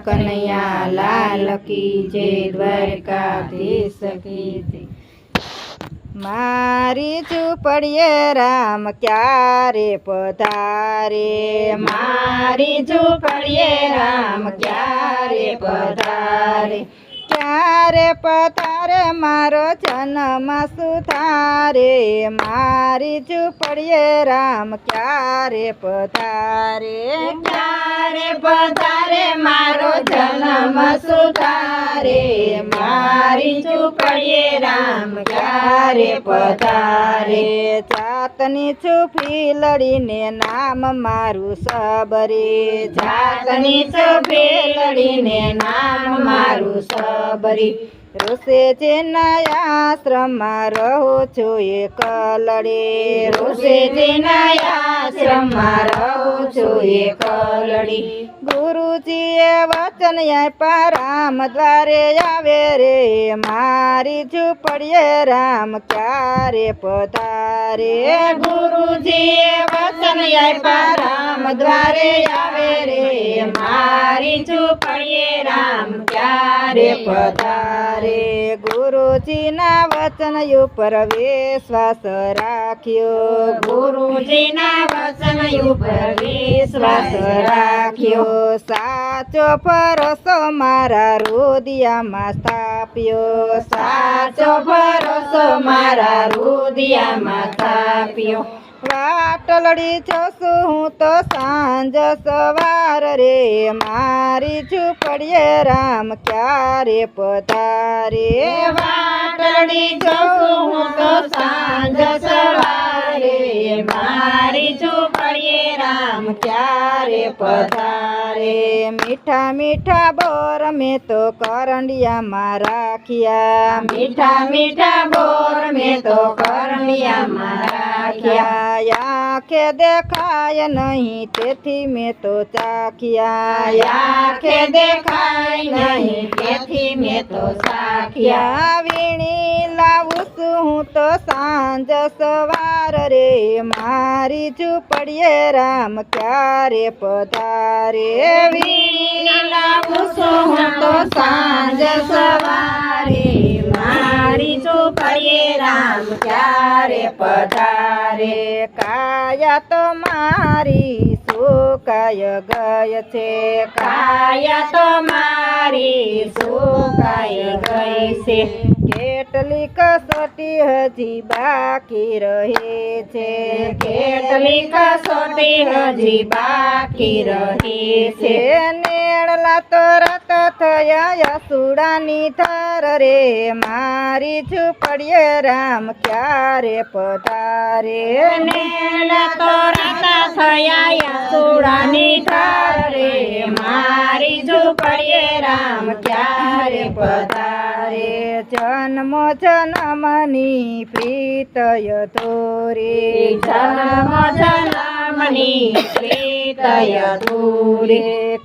कन्हैया लाल की जय। द्वारकाधीश की जय। मारी झूपड़िए राम क्यारे पधारे। मारी झूपड़िए राम क्यारे पधारे। क्यारे पधारे मारो जन्म सुधारे। मारी झूपड़िए राम क्यारे पधारे। क्यारे पधारे मारो जन्म सुधारे। मारी झूपड़िए राम क्यारे पधारे। जातनी छुपी लड़ीने नाम मारू सबरी। जातनी छुपी लड़ीने नाम मारू सबरी। रोसे जे नया आश्रम रहो छो एक लड़ी। रोसे जे नया आश्रम रहो छो एक लड़ी। गुरुजीए वचन आप्या राम द्वारे आवे रे। मारी झूपड़िए राम क्यारे पधारे। गुरुजीए वचन आप्या राम द्वारे आवे रे। मारी झूपड़िए राम क्यारे पधारे। गुरुजीना वचन ઉપર વિશ્વાસ રાખ્યો। ગુરુજીના વચન ઉપર વિશ્વાસ રાખ્યો। સાચો ભરોસો મારા હૃદયમાં સ્થાપ્યો। સાચો ભરોસો મારા હૃદયમાં સ્થાપ્યો। વાટલડી જોશું હું તો સાંજ સવાર રે। મારી ઝૂંપડીએ રામ ક્યારે પધારે। વાટલડી જોશું હું તો સાંજ સવારે। મારી ઝૂંપડીએ રામ ક્યારે પધારે। મીઠા મીઠા બોર મેં તો કરંડિયામાં રાખ્યા। મીઠા મીઠા બોર મેં તો કરંડિયામાં રાખ્યા। આંખે દેખાય નહીં તેથી મેં તો ચાખ્યા। આંખે દેખાય નહીં તેથી મેં તો ચાખ્યા। વીણી લાવું છું હું તો સાંજ સવાર રે। મારી ઝૂંપડીએ રામ ક્યારે પધારે। વીણી લાવું છું હું તો સાંજ સવારે। મારી ઝૂંપડીએ રામ ક્યારે પધારે। કાયા તો મારી સુકાય ગઈ છે। કાયા તો મારી સુકાય ગઈ છે। કેટલી કસોટી હજી બાકી રહે છે। કેટલી કસોટી હજી બાકી રહે છે। નેળલા તો રત થયા યસુડાની ધર રે। મારી ઝૂંપડીએ રામ ક્યારે પધારે। નેળલા તો રત થયા યસુડાની ધર રે। મારી ઝૂંપડીએ રામ ક્યારે પધારે। જન્મ જન્મની પ્રીતય ધોરે। જન્મ જન્મની પ્રીતય ધોરે।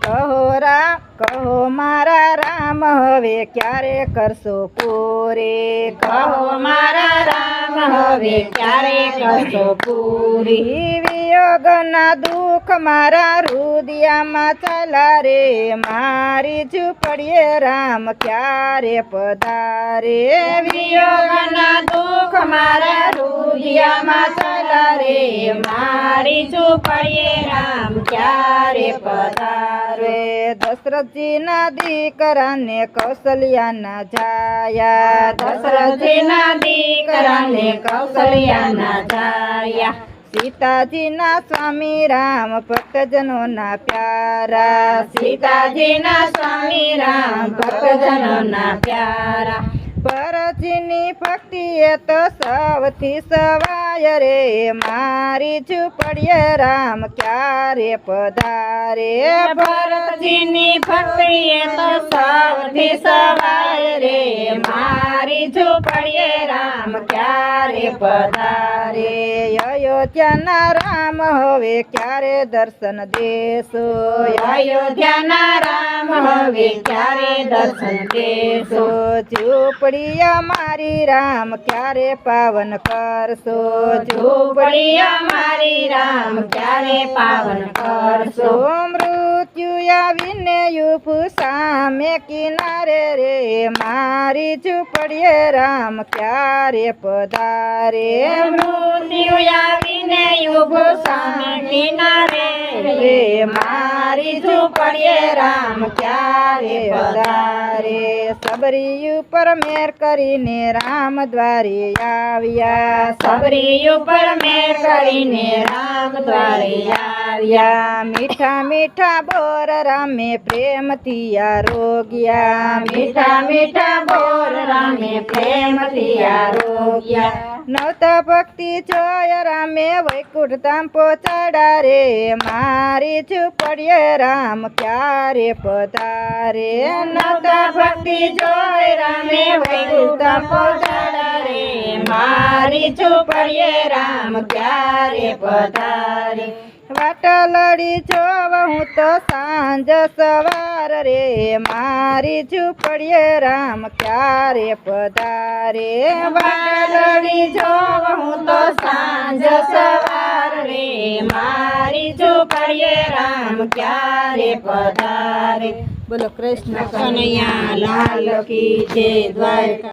કહો મારા રામ હવે ક્યારે કરશો પૂરે। કહો મારા રામ હવે ક્યારે કરશો પૂરી। વિયોગના દુઃખ મારા હૃદયમાં ચાલા રે। મારી ઝૂંપડીએ રામ ક્યારે પધારે। વિયોગના દુઃખ મારા હૃદયમાં ચાલા રે। મારી ઝૂંપડીએ રામ ક્યારે પધારે। દશરથજીના દીકરાને કૌશલ્યાના જાયા। દશરથજીના દીકરાને કૌશલ્યાના જાયા। સીતાજીના સ્વામી રામ ભક્તજનોના પ્યારા। સીતાજીના સ્વામી રામ ભક્તજનોના પ્યારા। ભરતજીની ભક્તિ એ તો સૌથી સવાય રે। મારી ઝૂંપડીએ રામ ક્યારે પધારે। ભરતજીની ભક્તિ એ તો સૌથી સવાય રે। મારી ઝૂંપડીએ રામ ક્યારે પધારે। અયોધ્યાના રામ હવે ક્યારે દર્શન દેશો। અયોધ્યાના રામ હવે હવે ક્યારે દર્શન દેશો ઝૂંપડી અમારી રામ ક્યારે પાવન કરશો ઝૂંપડી અમારી રામ ક્યારે પાવન કરશો મૃત્યુ આવીને યુફ સામે કિનારે રે મારી ઝૂંપડીએ રામ ક્યારે પધારે મૃત્યુ આવીને યુગ સામે કિનારે રે મારી ઝૂંપડીએ રામ ક્યારે પધારે સબરી ઉપર મેર કરીને રામ દ્વારે આવ્યા સબરી ઉપર મેર કરીને રામ દ્વારે આવ્યા મીઠા મીઠા બોર રામે પ્રેમથી આરોગ્યા મીઠા મીઠા બોર રામે પ્રેમથી આરોગ્યા નવતા ભક્તિ જોય રામે વૈકુંઠ ધામ પહોંચાડા રે મારી ઝૂંપડીએ રામ ક્યારે પધારે નવતા ભક્તિ જોય રામે વૈકુંઠ ધામ પહોંચાડા રે મારી ઝૂંપડીએ રામ ક્યારે પધારે વાટલડી જોવ હું તો સાંજ સવાર રે મારી ઝૂંપડીએ રામ ક્યારે પધારે વાટલડી જોવ હું તો સાંજ સવાર રે મારી ઝૂંપડીએ રામ ક્યારે પધારે બોલો કૃષ્ણ કનૈયા લાલ કી જય દ્વારકા।